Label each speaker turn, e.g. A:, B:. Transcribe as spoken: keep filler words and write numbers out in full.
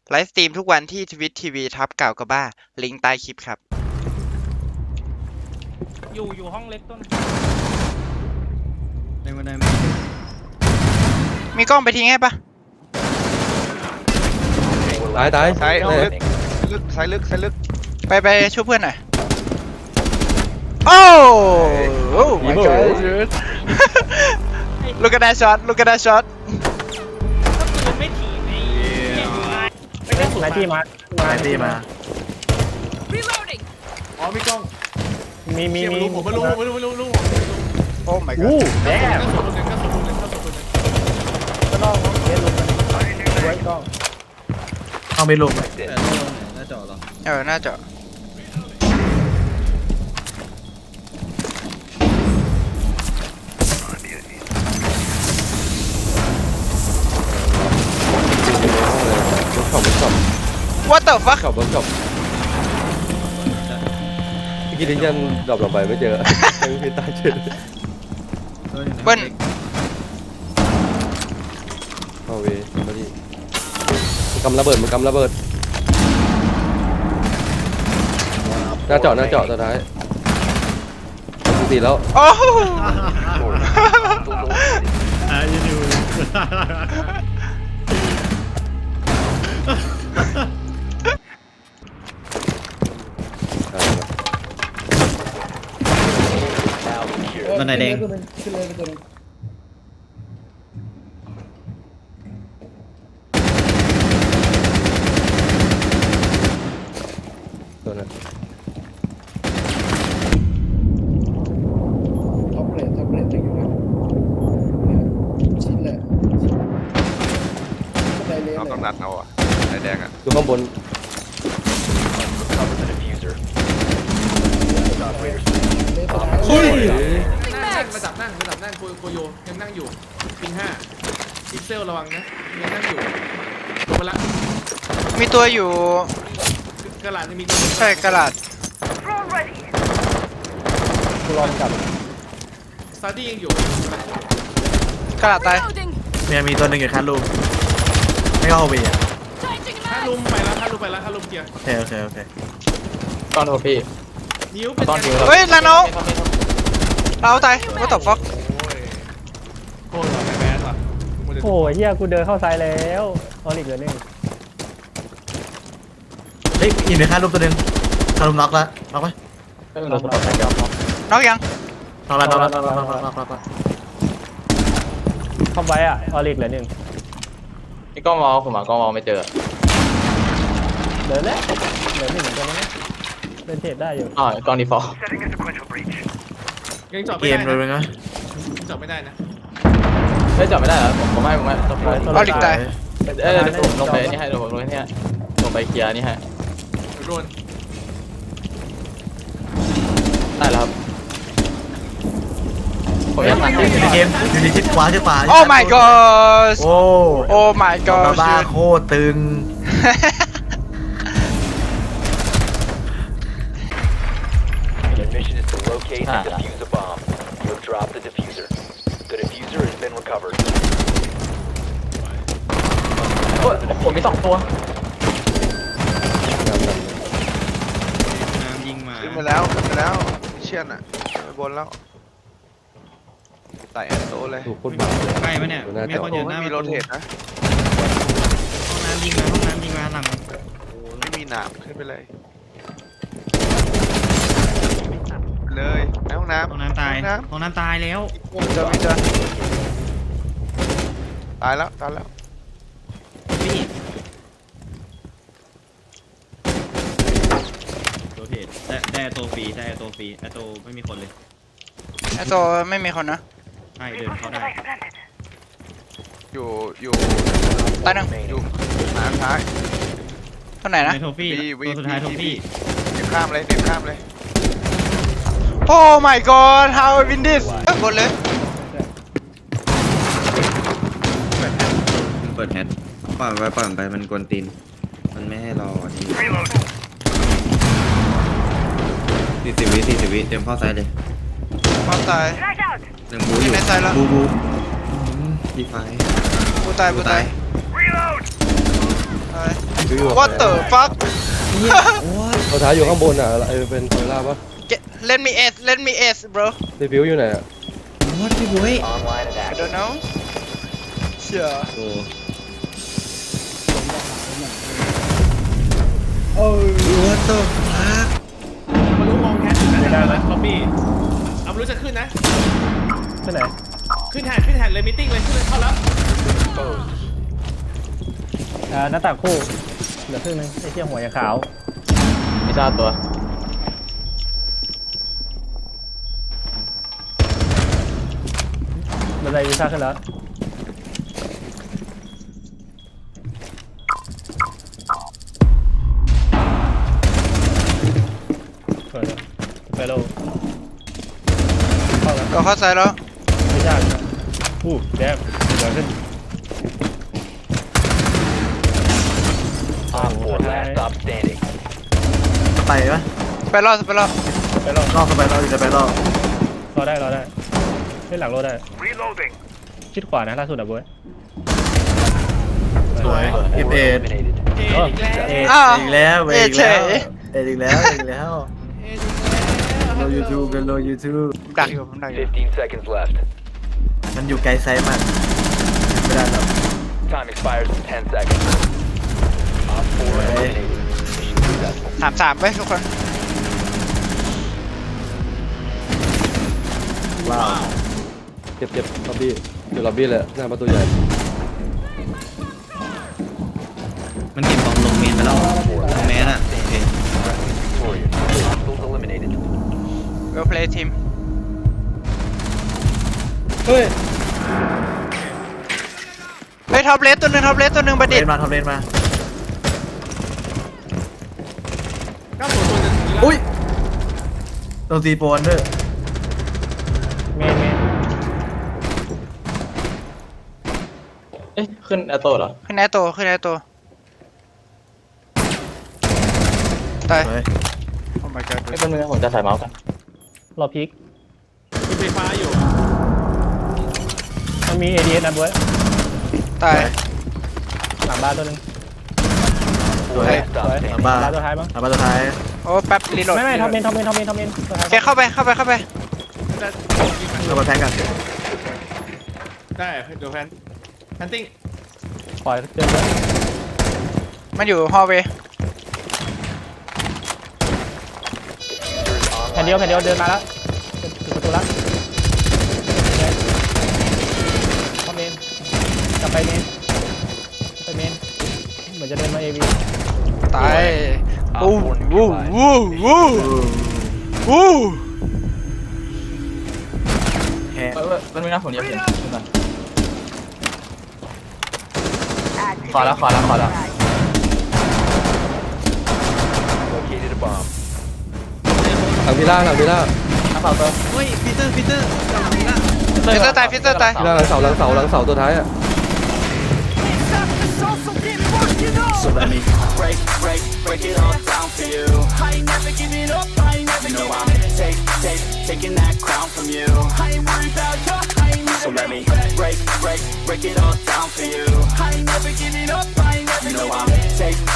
A: ไลฟ์สตรีมทุกวันที่ทวิตทีวีทับเก่ากับบ้าลิงก์ใต้คลิปครับ
B: อยู่อยู่ห้องเล็กต้น
C: ในวันใด
A: มีกล้องไปทิ้งให้ปะ
D: ตายตาย
E: ซ้ายลึกลึกซ้ายลึกซ้ายลึก
A: ไปไปช่วยเพื่อนหน่อยโอ้โห my god look at that shot look at that shot
B: ก็คือไม่ถีบไอ้ไม่ได้สุดที่มา
C: ไอตีมา
F: อ๋อมีกล้อง
B: มีมีมี
F: ผมไม่รู้ผมไม่รู้ไม่รู้รู้ผม
A: โอ้ my
B: อู้
A: god
B: แย่
F: ก็สุดคนหนึ่งก็สุดคนหนึ่งก็สุดคนหนึ่ง
B: ก็ต้องเล่นลงกันไว้กล้อง
C: เอาไปลงหน้าจอเหรอ
A: เออน่าจะ
D: บนช็อปบนช็อป
A: what the fuck
D: ช็อปบนช็อปเมื่อกี้ดิ้งยันดรอปลงไปไม่เจอไม่มีตาเจอ
A: เบิ้ล
D: เข้าเวมาดิมันกำระเบิดมันกำระเบิดหน้าเจาะหน้าเจาะสุดท้ายตีแล้ว
A: โอ้
C: อ่ะยูนิวบันไดแดง
D: ตัวนั้น
G: ท็อปเรทท็อปเรทอยู่นะเนี่ยชิ้นแหละก็ได้เลย
E: เราต้องนัดเอาอ่ะไอ้แดงอ่ะ
D: อยู่ข้างบน
G: เฮ้ย
F: นั่งมาจับนั่งมาจับนั่งโคโคโยยังนั่งอยู่ปิงห้าพิกเซลระวังนะยังนั่งอยู่ลงมาละ
A: มีตัวอยู่
F: กระหลาดยังมีตัว
A: ใช่กระดาษ
B: ลองกับ
F: ซาดี้ยังอยู่
A: กระดาษตาย
C: เนี่ยมีตัวหนึ่งอยู่คันลูมไม่เข้าเวีย
F: ถ้าลุมไปแล้วถ้าลุมไปแล้วถ้าลุมเกียร์
C: โอเคโอเคโอเค
H: ตอนโทฟี่
F: นิ้วเป็น
H: ตอนนิ้ว
A: เฮ้ยลาโนเราตาย what the fuck
F: โคตรหล่อแบดว่ะ
B: โอ้ยเฮียกูเดินเข้าซ้ายแล้วออลิกเหลือหนึ่ง
C: เฮ้ยอีกในคันลูมตัวหนึ่งคันลูมน็อกแล้วน็อกไหม
H: เราสปอร์ตแท็กยอม
A: น็อกยัง
C: น็อกแล้วน็อกแล้วน็อกแล้วน็อกแล้วน็อกแล้ว
B: เข้าไว้อ่ะออลิกเหลือหนึ่ง
H: นี่กล้องมองผมหากล้องมองไม่เจอ
B: เหลือแล้วเหลือหนึ่งเหมือนกันนะเล่นเทรดได้อยู่
H: อ๋อกล้องดีฟอลต์
F: ยังจอด
C: เก
F: ไม่
C: ม
F: ได้
C: เลย
F: นะ
C: นะ
F: จอดไม่ได้นะ
H: เฮ้ยจับไม่ได้เหรอผมผมไม่ผมไม่ต้องไป
A: ออลิกตาย
H: เอ้ยเดี๋ยวผมลงไปนี่ให้เดี๋ยวผมลงนี่ให้ลงไปเคลียร์นี่ให้
F: โดน
H: ได้แล้วครับผมยังตัด
C: อยู่ในเกมอยู่ในชิดขวาชิดขวา
A: oh my god
C: โอ้
A: oh my
C: บา
A: god
C: บ้าโคตรตึง
I: Your mission is to locate and defuse a bomb. You have dropped the diffuser. The diffuser has been recovered.
H: ผมมีสองตัว
C: น้ำยิงมา
E: ขึ้นไปแล้วขึ้นไปแล้วเชี่ยนอ่ะไปบนแล้วใส่แอนโตเลย
D: ถูกพูดมา
C: ใกล้ปะเนี่ยมีคนอยู่ห
E: ไม่
C: น้า
E: มีโรเทตนะ
C: ห้องน้ำยิงมาห้องน้ำยิงมาหลัง
E: โอ้ไม่มีหนามขึ้นไปเลยเลยในห้องน้ำ
C: ห้องน้ำตาย
E: ห้องน้
C: ห้องน้ำตายแล้ว
E: ำเจอไม่เจอตายแล้วตายแล้ว
C: พี่ตัวเพจได้ได้ตัวฟรีได้ตัวฟรีไอตัวไม่มีคนเลย
A: ไอตัวไม่มีคนนะ
C: ใช่เดินเข้าได้
E: อยู่อยู่
A: ตายหนึ่ง
E: อยู่หน้ำท้าย
A: ตัวไหนนะ
C: ในโทฟี่
E: วีวี
C: ตัวสุดท้ายโทฟี่
E: เดี๋ยวข้ามเลยเดี๋ยวข้ามเลย
A: oh my god how I win this กดเลย
J: เปิดแฮทปล่อยไปปล่อยไปมันกวนตีนมันไม่ให้รอทีสี่สิบวิสี่สิบวิเตรียมเข้าไซด์เลย
A: ความตาย
J: หนึ่งบูอยู่
A: ในไซด์แล้ว
J: บูบูดีไฟ
A: กูตายกูตายตาย
D: ฟิวอยู่
A: What the fuck
D: ตัวท้ายอยู่ข้างบนอ่ะเออเป็นโซล่าปะ
A: Get, let me ace let me ace bro
D: รีฟิวอยู่ไหนอ่ะ
J: What พี่บุ้ย
I: Online and
A: I
I: active.
A: don't know เชี่ย
D: โอ้
G: โอ้ย
J: What the fuck
F: มารู้มองแคสอยู่นะแล้วล็อบบี้เอามารู้จะขึ้นนะ
B: ที่ไหน
F: ขึ้นแทนขึ้นแทนเลยมิทติ้งเลยขึ้นเลยเข้าแล้ว
B: อ่าหน้าต่างคู่เหลือครึ่งนึงไอ้เที่ยหัวยังขาว
H: ไม่ทราบตัว
B: บันไดวีซ่าขึ้นแล้วสวยแล้วไปโลเข้าแล้ว
A: ก็เข้าใจแล้ว
B: ไม่ยากนะอู้แดงเดี๋ยวขึ้น
I: Op four, last stop standing.
J: ไปปะ
A: ไปรอดไปรอด
B: ไปรอ
J: รอบไปรอบอยู่จะไปรอบ
B: รอได้รอได้เล่นหลังรอได้ชิดขวานะล่าสุดอ่ะบ๊วย
J: สวยเอฟเอ็ด
I: Eliminated.
F: เออีกแล้ว
B: เอ๊ะ
A: อ้าว
J: อีกแล้วเว้ย
A: เอ
J: อีก
A: เฉ
J: แล้ว
A: ย
J: เอ็ดอีกแล้วอีกแล้ว
F: เออีกแล้ว
J: โลยูทูบเป็นโลยูทูบ
A: ผมดักอยู่ผมดักอยู่
I: fifteen seconds left.
J: มันอยู่ไกลไซส์มากไม่ได้หรอก
I: Time expires in ten seconds. Op four eliminated. Mission successful.
A: สามสามไปทุกคน
J: ว้าว
D: เจ็บเจ็บล็อบบี้อยู่ล็อบบี้เลยหน้าประตูใหญ่
J: มันเก็บบอมลงเมนไปแล้วลงเมนอ่ะโอเค
I: Victorious. Hostiles eliminated.
A: well play team
G: เฮ้ย
A: เฮ้ยท็อปเลสตัวหนึ่งท็อปเลสตัวหนึ่งบัณ
J: เล
A: ฑิต
J: นมาทำเลนมา
F: เก้าศูนย์ตัวหนึ่ง
J: อุ้ยโดนตีโปนด้วย
B: เมนเมน
H: เอ๊ะขึ้นแอตโต้เหรอ
A: ขึ้นแอตโตขึ้นแอตโตตาย
J: สวย
A: Oh my god
H: ไม่เป็นไรผมจะใส่เมาส์กัน
B: รอพีค
F: มีไฟฟ้าอยู่
B: มันมี เอ ดี เอส นะบ๊วย
A: ตาย
B: หลังบ้านตัวหนึง
J: สวย
I: Last
B: ส
I: stop
B: วย
I: standing.
J: หลังบ้าน
B: บ้านตัวท้ายมั้ง
J: หลังบ้านตัวท้าย
A: โอ้แป๊บรีโหลด
B: ไม่ไม่ทอมเมนทอมเมนทอมเมนทอมเมนตัวท้าย
A: โอเคเข้าไปเข้าไปเข้าไป
F: จะ
J: เข้ามาแพ้กัน
F: ได้เดี๋ยวแพนแพนติ้ง
B: ปล่อยเดินเลย
A: มันอยู่ฮอลเวย์
I: Diffusers
B: แผ่น
I: online
B: เดียวแผ่นเดียว
I: and
B: เดิน
I: active.
B: มาแล้วถึงประตูละทอมเมนกลับไปเมนไปเมนเหมือนจะเดินมาเอวี
A: ตายวู้วู้วู้วู้วู้
J: แพ้
H: เออมันไม่น่าผมเยอะเพียงขึ้นมาขอแล้วขอแล้วขอแล้ว
I: Located a bomb.
D: หลังพิล่าหลังพิล่า
H: น้ำเปล่าตัว
J: เฮ้ยปีเตอร์ปีเตอร์กลับมาอีกแล้ว
A: ฟิสเตอร์ตายฟิสเตอร์ตาย
D: พิล่าหลังเสาหลังเสาหลังเสาตัวท้ายอ่ะ
J: สุดแล้วมี
K: Break, break, break it all down for you. I ain't never giving up, I ain't never you know I'm take, take, taking that crown from you. I ain't worried about you, I ain't never so let me break, break, break it all down for you. I ain't never giving up, I ain't never you know I'm take